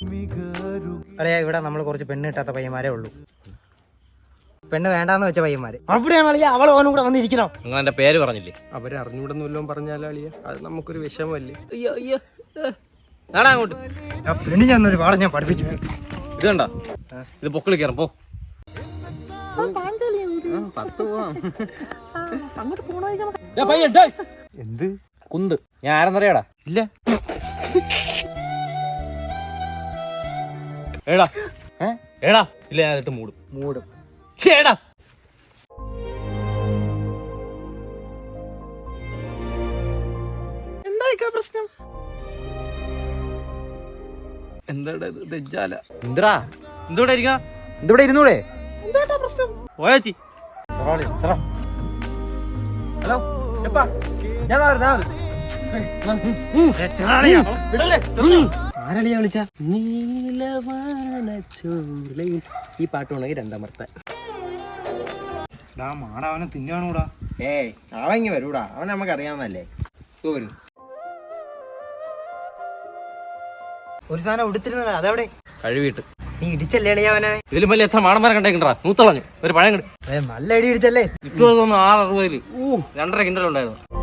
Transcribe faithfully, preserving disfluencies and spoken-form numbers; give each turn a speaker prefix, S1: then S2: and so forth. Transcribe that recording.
S1: അറിയാ ഇവിടെ നമ്മൾ കുറച്ച് പെണ്ണ് കിട്ടാത്ത പയ്യന്മാരേ ഉള്ളൂ. പെണ്ണ് വേണ്ടാന്ന് വെച്ച പയ്യന്മാര് അവിടെയാണ് അളിയ. അവൾ ഓനും കൂടെ വന്നിരിക്കണം.
S2: നിങ്ങൾ എന്റെ പേര് പറഞ്ഞില്ലേ?
S3: അവരെ അറിഞ്ഞൂടെന്ന് പറഞ്ഞാലോ അളിയ, അത് നമുക്കൊരു വിഷമല്ലേ.
S2: അയ്യോ അയ്യോ നാടാ അങ്ങോട്ട്.
S1: പെണ്ണ് ഞാൻ ഒരു പാഠം ഞാൻ പഠിപ്പിച്ചു.
S2: ഇത് കണ്ട, ഇത് പൊക്കിളി കയറും. പോ
S3: എന്ത്
S2: കുന്ത് ഞാൻ ആരെന്നറിയാടാ?
S1: ഇല്ല
S2: ഏടാ ഏടാ ഇല്ല, ഞാൻ ഇട്ട് മൂടും
S1: മൂടും
S2: ചേടാ.
S1: എന്താ പ്രശ്നം?
S2: എന്താടാ ഇത് ദജ്ജാല? എന്തടാ എന്തോടെ ഇരിക്കണ?
S1: ഇതിവിടെ ഇരുന്നൂടെ?
S2: പോയാച്ചി
S1: ഹലോ ഞാൻ
S2: ആരളിയാ വിളിച്ച? നീലവാനച്ചോലയിൽ ഈ പാട്ട് ഉണ്ടെങ്കിൽ രണ്ടാമത്തെ
S1: മാടവനെ തിന്നാണൂടാ.
S4: ഏയ് അവങ്ങി വരൂടാ, അവൻ നമുക്ക് അറിയാവുന്നല്ലേ. വരും
S1: ഒരു സാധനം ഉടുത്തിരുന്ന അതെവിടെ?
S2: കഴിവിട്ട്
S1: നീ ഇടിച്ചല്ലേ അളിയവനെ?
S2: ഇതിലും വലിയ എത്ര മാടന്മാരെ കണ്ടേക്കണ്ടാ? നൂത്തളഞ്ഞു ഒരു പഴം കിട്ടും.
S1: നല്ല അടി ഇടിച്ചല്ലേ?
S2: ഇട്ടു ആറ് അറുപതില് ഊ രണ്ടര കിണ്ടലുണ്ടായിരുന്നു.